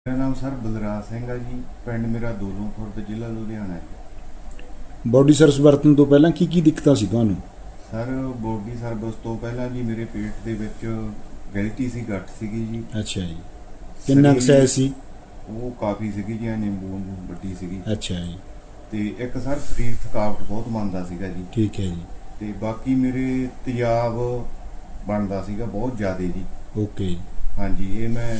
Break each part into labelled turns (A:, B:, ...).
A: ਮੇਰਾ ਨਾਮ ਸਰ ਬਲਰਾਜ ਸਿੰਘ ਆ ਜੀ। ਪਿੰਡ ਮੇਰਾ ਦੋਲੋਂ ਖੁਰਦ, ਜ਼ਿਲ੍ਹਾ ਲੁਧਿਆਣਾ ਹੈ।
B: ਬੋਡੀ ਸਰਵਿਸ ਵਰਤਣ ਤੋਂ ਪਹਿਲਾਂ ਕੀ ਦਿੱਕਤਾਂ ਸੀ ਤੁਹਾਨੂੰ?
A: ਸਰ ਬੋਡੀ ਸਰਵਿਸ ਤੋਂ ਪਹਿਲਾਂ ਜੀ ਮੇਰੇ ਪੇਟ ਦੇ ਵਿੱਚ ਗੈਲਟੀ ਸੀ, ਗੱਠ ਸੀਗੀ ਜੀ।
B: ਅੱਛਾ ਜੀ। ਕਿੰਨਾ ਕੁ ਸਾਈਜ਼ ਸੀ?
A: ਉਹ ਕਾਫੀ ਸੀਗੀ ਜੀ, ਨਿੰਬੂ ਵਾਂਗੂ ਵੱਡੀ ਸੀਗੀ।
B: ਅੱਛਾ ਜੀ।
A: ਤੇ ਇੱਕ ਸਰ ਸਰੀਰ ਥਕਾਵਟ ਬਹੁਤ ਮੰਨਦਾ ਸੀਗਾ ਜੀ।
B: ਠੀਕ ਹੈ ਜੀ।
A: ਤੇ ਬਾਕੀ ਮੇਰੇ ਤੇਜ਼ਾਬ ਬਣਦਾ ਸੀਗਾ ਬਹੁਤ ਜ਼ਿਆਦਾ ਜੀ।
B: ਓਕੇ।
A: ਹਾਂਜੀ, ਇਹ ਮੈਂ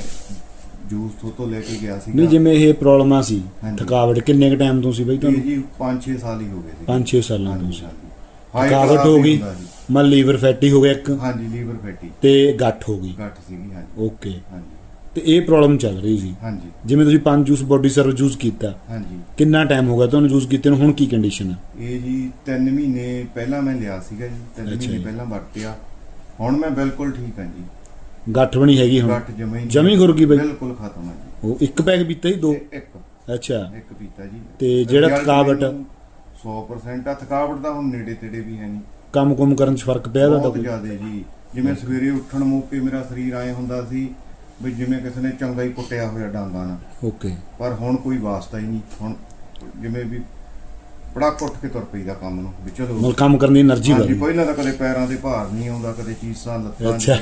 A: ਜੂਸ ਤੋਂ ਲੈ ਕੇ ਗਿਆ ਸੀਗਾ।
B: ਨਹੀਂ, ਜਿਵੇਂ ਇਹ ਪ੍ਰੋਬਲਮਾਂ ਸੀ
A: ਹਾਂਜੀ।
B: ਥਕਾਵਟ ਕਿੰਨੇ ਕੁ ਟਾਈਮ ਤੋਂ ਸੀ ਬਈ
A: ਇਹ
B: ਤੁਹਾਨੂੰ?
A: ਜੀ 5-6 ਸਾਲ ਹੀ ਹੋ ਗਏ ਸੀ।
B: 5-6 ਸਾਲਾਂ ਤੋਂ
A: ਹਾਂਜੀ,
B: ਸੀ।
A: ਹਾਂਜੀ।
B: ਥਕਾਵਟ ਹੋ ਗਈ, ਮਨ ਲੀਵਰ ਫੈਟੀ ਹੋ ਗਿਆ ਇੱਕ,
A: ਹਾਂਜੀ, ਲੀਵਰ ਫੈਟੀ
B: ਤੇ ਗੱਠ ਹੋ ਗਈ।
A: ਗੱਠ ਸੀਗੀ। ਹਾਂਜੀ।
B: ਓਕੇ।
A: ਹਾਂਜੀ।
B: ਤੇ ਇਹ ਪ੍ਰੋਬਲਮ ਚੱਲ ਰਹੀ ਸੀ।
A: ਹਾਂਜੀ।
B: ਜਿਵੇਂ ਤੁਸੀਂ 5 ਜੂਸ ਬੋਡੀ ਸਰਵ ਯੂਜ਼ ਕੀਤਾ,
A: ਹਾਂਜੀ।
B: ਕਿੰਨਾ ਟਾਈਮ ਹੋ ਗਿਆ ਤੁਹਾਨੂੰ ਯੂਜ਼ ਕੀਤੇ ਨੂੰ? ਹੁਣ ਕੀ ਕੰਡੀਸ਼ਨ ਹੈ?
A: ਇਹ ਜੀ 3 ਮਹੀਨੇ ਪਹਿਲਾਂ ਮੈਂ ਲਿਆ ਸੀਗਾ ਜੀ। 3
B: ਅੱਛਾ
A: ਮਹੀਨੇ
B: ਜੀ।
A: ਪਹਿਲਾਂ ਵਰਤਿਆ। ਹੁਣ ਮੈਂ ਬਿਲਕੁਲ ਠੀਕ ਹਾਂ ਜੀ।
B: ਗੱਠ ਵੀ ਨਹੀਂ ਹੈਗੀ ਹੁਣ?
A: ਗੱਠ ਜਮੀ
B: ਜਮੀ ਖੁਰ ਗਈ ਬਈ?
A: ਬਿਲਕੁਲ ਖਤਮ ਹੈ ਜੀ।
B: ਉਹ ਇੱਕ ਪੈਕ ਪੀਤਾ ਜੀ? 2?
A: ਇੱਕ
B: ਅੱਛਾ।
A: ਇੱਕ ਪੀਤਾ ਜੀ।
B: ਤੇ ਜਿਹੜਾ
A: Result
B: ਥਕਾਵਟ?
A: ਮੈਨੂੰ 100% ਆ। ਥਕਾਵਟ ਦਾ ਹੁਣ ਨੇੜੇ ਤੇੜੇ ਵੀ ਹੈ ਨਹੀਂ।
B: ਕੰਮ ਕਰਨ 'ਚ ਫਰਕ ਪਿਆ ਤੁਹਾਡਾ
A: ਬਹੁਤ
B: ਕੋਈ?
A: ਜ਼ਿਆਦਾ ਜੀ। ਜਿਵੇਂ ਸਵੇਰੇ ਉੱਠਣ ਮੌਕੇ ਮੇਰਾ ਸਰੀਰ ਆਏ ਹੁੰਦਾ ਸੀ ਵੀ ਜਿਵੇਂ ਕਿਸੇ ਨੇ ਚੰਗਾ ਹੀ ਕੁੱਟਿਆ ਹੋਇਆ ਡਾਂਗਾਂ ਨਾਲ।
B: ਓਕੇ।
A: ਪਰ ਹੁਣ ਕੋਈ ਵਾਸਤਾ ਹੀ ਨਹੀਂ। ਹੁਣ ਜਿਵੇਂ ਵੀ ਪੜਾਕ ਉੱਠ ਕੇ ਤੁਰ ਪਈਦਾ ਕੰਮ ਨੂੰ ਵੀ ਚਲੋ।
B: ਮਤਲਬ ਕੰਮ ਕਰਨ ਦੀ એનર્ਜੀ
A: ਹਾਂਜੀ,
B: ਵਧੀ।
A: ਪਹਿਲਾਂ ਤਾਂ ਕਦੇ ਪੈਰਾਂ ਦੇ ਭਾਰ ਨਹੀਂ ਆਉਂਦਾ, ਕਦੇ ਚੀਸਾਂ ਲੱਤਾਂ
B: ਅੱਛਾ।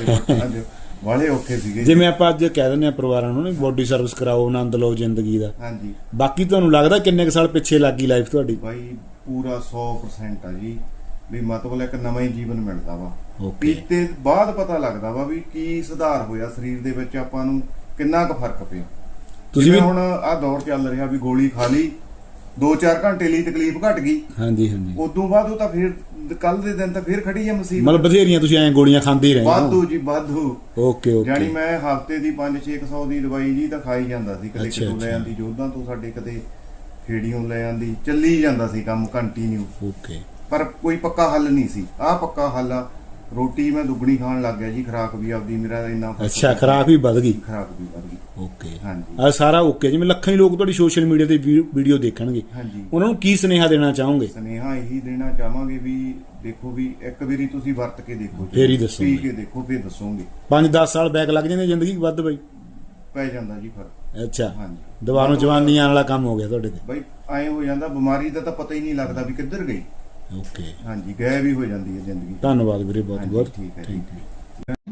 A: ਵਾਲੇ ਔਖੇ ਸੀਗੇ।
B: ਜਿਵੇਂ ਆਪਾਂ ਅੱਜ ਕਹਿ ਦਿੰਦੇ ਆ ਪਰਿਵਾਰਾਂ ਨੂੰ ਬੋਡੀ ਸਰਵਿਸ ਕਰਾਓ, ਆਨੰਦ ਲਓ ਜ਼ਿੰਦਗੀ ਦਾ।
A: ਹਾਂਜੀ।
B: ਬਾਕੀ ਤੁਹਾਨੂੰ ਲੱਗਦਾ ਕਿੰਨੇ ਕੁ ਸਾਲ ਪਿੱਛੇ ਲੱਗੀ ਲਾਈਫ ਤੁਹਾਡੀ?
A: ਬਾਈ ਪੂਰਾ 100% ਆ ਜੀ। ਵੀ ਮਤਲਬ ਇੱਕ ਨਵਾਂ ਹੀ ਜੀਵਨ ਮਿਲਦਾ ਵਾ।
B: ਓਕੇ।
A: ਪੀਤੇ ਬਾਅਦ ਪਤਾ ਲੱਗਦਾ ਵਾ ਵੀ ਕੀ ਸੁਧਾਰ ਹੋਇਆ ਸਰੀਰ ਦੇ ਵਿੱਚ, ਆਪਾਂ ਨੂੰ ਕਿੰਨਾ ਕੁ ਫਰਕ ਪਿਆ।
B: ਤੁਸੀਂ ਵੀ
A: ਹੁਣ ਆਹ ਦੌਰ ਚੱਲ ਰਿਹਾ ਵੀ ਗੋਲੀ ਖਾ ਲਈ, 2-4 ਘੰਟੇ ਲਈ ਤਕਲੀਫ ਘਟ ਗਈ।
B: ਹਾਂਜੀ ਹਾਂਜੀ।
A: ਉਦੋਂ ਬਾਅਦ ਉਹ ਤਾਂ ਫਿਰ ਕੱਲ ਦੇ ਦਿਨ ਤਾਂ ਫਿਰ ਖੜੀ ਆ ਮੁਸੀਬਤ।
B: ਮਤਲਬ ਬਥੇਰੀਆਂ ਤੁਸੀਂ ਐਂ ਗੋਲੀਆਂ ਖਾਂਦੇ ਹੀ ਰਹੇ ਹੋ?
A: ਵਾਧੂ ਜੀ, ਵਾਧੂ।
B: Okay okay.
A: ਯਾਨੀ ਮੈਂ ਹਫਤੇ ਦੀ 500-600 ਦੀ ਦਵਾਈ ਜੀ ਤਾਂ ਖਾਈ ਜਾਂਦਾ ਸੀ। ਕਦੇ ਕਿਤੋਂ ਲੈ ਆਂਦੀ ਜੋਧਾਂ ਤੋਂ ਸਾਡੇ, ਕਦੇ ਖੇੜੀਓਂ ਲੈ ਆਂਦੀ, ਚੱਲੀ ਜਾਂਦਾ ਸੀ ਕੰਮ ਕੰਟੀਨਿਊ।
B: ਓਕੇ।
A: ਪਰ ਕੋਈ ਪੱਕਾ ਹੱਲ ਨਹੀਂ ਸੀ। ਆਹ ਪੱਕਾ ਹੱਲ ਆ। ਰੋਟੀ ਮੈਂ ਦੁੱਗਣੀ ਖਾਣ ਲੱਗ ਗਿਆ ਜੀ। ਖੁਰਾਕ ਵੀ ਆਪਦੀ ਮੇਰਾ ਇੰਨਾ
B: ਅੱਛਾ, ਖੁਰਾਕ ਵੀ ਵੱਧ ਗਈ?
A: ਖੁਰਾਕ ਵੀ ਵੱਧ ਗਈ।
B: ਓਕੇ।
A: ਹਾਂਜੀ।
B: ਆ ਸਾਰਾ ਓਕੇ। ਜਿਵੇਂ ਲੱਖਾਂ ਹੀ ਲੋਕ ਤੁਹਾਡੀ ਸੋਸ਼ਲ ਮੀਡੀਆ ਤੇ ਵੀਡੀਓ ਦੇਖਣਗੇ,
A: ਹਾਂਜੀ।
B: ਉਹਨਾਂ ਨੂੰ ਕੀ ਸੁਨੇਹਾ ਦੇਣਾ ਚਾਹੋਗੇ?
A: ਸੁਨੇਹਾ ਇਹੀ ਦੇਣਾ ਚਾਹਾਂਗੇ ਵੀ ਦੇਖੋ ਵੀ ਇੱਕ ਵਾਰੀ ਤੁਸੀਂ ਵਰਤ ਕੇ ਦੇਖੋ,
B: ਫੇਰ ਹੀ ਦੱਸੋਗੇ।
A: ਪੀ ਕੇ ਦੇਖੋ, ਫੇਰ ਦੱਸੋਗੇ।
B: 5-10 ਸਾਲ ਬੈਕ ਲੱਗ ਜਾਂਦੇ ਜ਼ਿੰਦਗੀ ਵੱਧ ਬਈ?
A: ਪੈ ਜਾਂਦਾ ਜੀ ਫਰਕ।
B: ਅੱਛਾ।
A: ਹਾਂਜੀ।
B: ਦੁਬਾਰਾ ਜਵਾਨੀ ਆਉਣ ਵਾਲਾ ਕੰਮ ਹੋ ਗਿਆ ਤੁਹਾਡੇ ਤੇ?
A: ਬਈ ਐਂ ਹੋ ਜਾਂਦਾ, ਬਿਮਾਰੀ ਦਾ ਤਾਂ ਪਤਾ ਹੀ ਨਹੀਂ ਲੱਗਦਾ ਵੀ ਕਿੱਧਰ ਗਈ।
B: ਓਕੇ।
A: ਹਾਂਜੀ, ਗਾਇਬ ਹੀ ਹੋ ਜਾਂਦੀ ਹੈ ਜ਼ਿੰਦਗੀ।
B: ਧੰਨਵਾਦ ਵੀਰੇ, ਬਹੁਤ
A: ਹਾਂਜੀ,
B: ਬਹੁਤ।
A: ਠੀਕ ਹੈ, ਠੀਕ ਹੈ।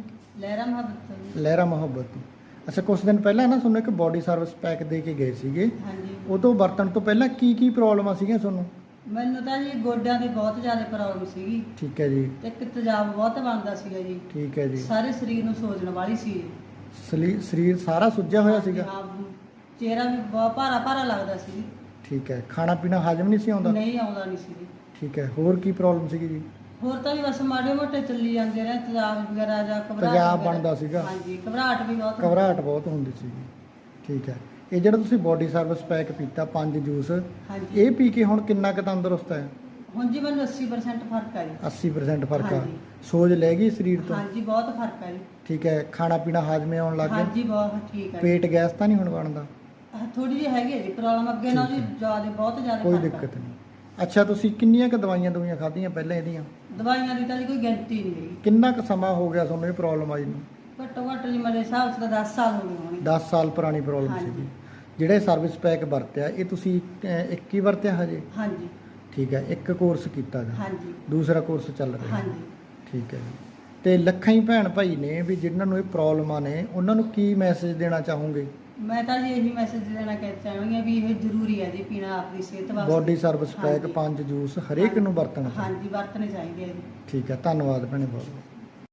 C: ਲਹਿਰਾ ਮੁਹੱਬਤ। ਅੱਛਾ, ਕੁਝ ਦਿਨ ਪਹਿਲਾਂ ਨਾ ਤੁਹਾਨੂੰ ਇੱਕ ਬੋਡੀ ਸਰਵਿਸ ਪੈਕ ਦੇ ਕੇ ਗਏ ਸੀਗੇ।
D: ਹਾਂਜੀ।
C: ਉਦੋਂ ਵਰਤਣ ਤੋਂ ਪਹਿਲਾਂ ਕੀ ਪ੍ਰੋਬਲਮਾਂ ਸੀਗੀਆਂ ਤੁਹਾਨੂੰ?
D: ਮੈਨੂੰ ਤਾਂ ਜੀ ਗੋਡਿਆਂ ਦੀ ਬਹੁਤ ਜ਼ਿਆਦਾ ਪ੍ਰੋਬਲਮ ਸੀਗੀ।
C: ਠੀਕ ਹੈ ਜੀ।
D: ਤੇ ਇੱਕ ਤੇਜ਼ਾਬ ਬਹੁਤ ਬਣਦਾ ਸੀਗਾ ਜੀ।
C: ਠੀਕ ਹੈ ਜੀ।
D: ਸਾਰੇ ਸਰੀਰ ਨੂੰ ਸੋਜਣ ਵਾਲੀ ਸੀ।
C: ਸਰੀਰ ਸਾਰਾ ਸੁੱਜਿਆ ਹੋਇਆ ਸੀਗਾ?
D: ਹਾਂ, ਚਿਹਰਾ ਵੀ ਬਹੁਤ ਭਾਰਾ ਭਾਰਾ ਲੱਗਦਾ ਸੀ।
C: ਠੀਕ ਹੈ। ਖਾਣਾ ਪੀਣਾ ਹਜਮ ਨਹੀਂ ਸੀ ਆਉਂਦਾ?
D: ਨਹੀਂ ਆਉਂਦਾ ਨਹੀਂ ਸੀ।
C: ਠੀਕ ਹੈ। ਹੋਰ ਕੀ ਪ੍ਰੋਬਲਮ ਸੀਗੀ ਜੀ?
D: ਹੋਰ ਤਾਂ ਵੀ ਬਸ ਮਾੜੇ ਮੋਟੇ ਚੱਲੀ ਜਾਂਦੇ ਰਹੇ, ਤੇਜ਼ਾਬ ਵਗੈਰਾ ਜਾਂ ਘਬਰਾਹਟ
C: ਤੇਜ਼ਾਬ
D: ਵਗੈਰਾ।
C: ਬਣਦਾ ਸੀਗਾ?
D: ਹਾਂਜੀ, ਘਬਰਾਹਟ ਵੀ ਬਹੁਤ
C: ਘਬਰਾਹਟ ਬਹੁਤ ਹੁੰਦੀ ਸੀਗੀ। ਠੀਕ ਹੈ। ਇਹ ਜਿਹੜਾ ਤੁਸੀਂ ਬੋਡੀ ਸਰਵਿਸ ਪੈਕ ਪੀਤਾ 5 ਜੂਸ,
D: ਹਾਂਜੀ।
C: ਇਹ ਪੀ ਕੇ ਹੁਣ ਕਿੰਨਾ ਕੁ ਤੰਦਰੁਸਤ ਹੈ?
D: ਹੁਣ ਜੀ ਮੈਨੂੰ 80% ਫਰਕ ਆ ਜੀ।
C: 80% ਫਰਕ ਆ?
D: ਹਾਂਜੀ।
C: ਸੋਜ ਲੈ ਗਈ ਸਰੀਰ ਤੋਂ?
D: ਹਾਂਜੀ, ਬਹੁਤ ਫਰਕ ਆ ਜੀ।
C: ਠੀਕ ਹੈ। ਖਾਣਾ ਪੀਣਾ ਹਾਜ਼ਮੇ ਆਉਣ ਲੱਗ ਗਿਆ?
D: ਹਾਂਜੀ, ਬਹੁਤ ਠੀਕ ਆ ਜੀ।
C: ਪੇਟ ਗੈਸ ਤਾਂ ਨਹੀਂ ਹੁਣ ਬਣਦਾ?
D: ਥੋੜੀ ਜਿਹੀ ਹੈਗੀ ਹੈ ਜੀ ਪ੍ਰੋਬਲਮ, ਅੱਗੇ ਨਾਲ ਜੀ ਜ਼ਿਆਦਾ, ਬਹੁਤ ਜ਼ਿਆਦਾ
C: ਕੋਈ
D: ਫਰਕ ਆ।
C: ਦਿੱਕਤ ਨਹੀਂ। ਅੱਛਾ, ਤੁਸੀਂ ਕਿੰਨੀਆਂ ਕੁ ਦਵਾਈਆਂ ਖਾਧੀਆਂ ਪਹਿਲਾਂ ਇਹਦੀਆਂ?
D: ਦਵਾਈਆਂ ਦੀ ਤਾਂ ਜੀ ਕੋਈ ਗਿਣਤੀ ਨਹੀਂ ਹੈਗੀ।
C: ਕਿੰਨਾ ਕੁ ਸਮਾਂ ਹੋ ਗਿਆ ਤੁਹਾਨੂੰ ਇਹ ਪ੍ਰੋਬਲਮ ਆਈ ਨੂੰ?
D: ਘੱਟੋ ਘੱਟ ਜੀ ਮੇਰੇ ਹਿਸਾਬ 'ਚ ਤਾਂ 10 ਸਾਲ ਹੋ ਗਏ ਹੋਣਗੇ।
C: 10 ਸਾਲ ਪੁਰਾਣੀ ਪ੍ਰੋਬਲਮ
D: ਹਾਂਜੀ।
C: ਸੀਗੀ। ਜਿਹੜੇ ਸਰਵਿਸ ਪੈਕ ਵਰਤਿਆ ਇਹ ਤੁਸੀਂ ਇੱਕ ਹੀ ਵਰਤਿਆ ਹਜੇ?
D: ਹਾਂਜੀ।
C: ਠੀਕ ਹੈ। ਇੱਕ ਕੋਰਸ ਕੀਤਾ ਗਾ?
D: ਹਾਂਜੀ।
C: ਦੂਸਰਾ ਕੋਰਸ ਚੱਲ ਰਿਹਾ?
D: ਹਾਂਜੀ।
C: ਠੀਕ ਹੈ ਜੀ। ਤੇ ਲੱਖਾਂ ਹੀ ਭੈਣ ਭਾਈ ਨੇ ਵੀ ਜਿਨ੍ਹਾਂ ਨੂੰ ਇਹ ਪ੍ਰੋਬਲਮਾਂ ਨੇ, ਉਹਨਾਂ ਨੂੰ ਕੀ ਮੈਸੇਜ ਦੇਣਾ ਚਾਹੋਗੇ?
D: ਮੈਂ ਤਾਂ ਜੀ ਇਹੀ ਮੈਸੇਜ ਦੇਣਾ ਚਾਹਾਂਗੀ ਵੀ ਇਹ ਜ਼ਰੂਰੀ ਹੈ ਜੀ ਪੀਣਾ ਆਪਣੀ ਸਿਹਤ ਵਾਸਤੇ।
C: ਬੋਡੀ ਸਰਵਿਸ ਪੈਕ
D: ਹਾਂਜੀ।
C: 5 ਜੂਸ ਹਰੇਕ ਨੂੰ ਵਰਤਣਾ ਚਾਹੀਦਾ?
D: ਹਾਂਜੀ, ਵਰਤਣੇ ਚਾਹੀਦੇ ਆ ਜੀ।
C: ਠੀਕ ਹੈ। ਧੰਨਵਾਦ ਭੈਣੇ ਬਹੁਤ।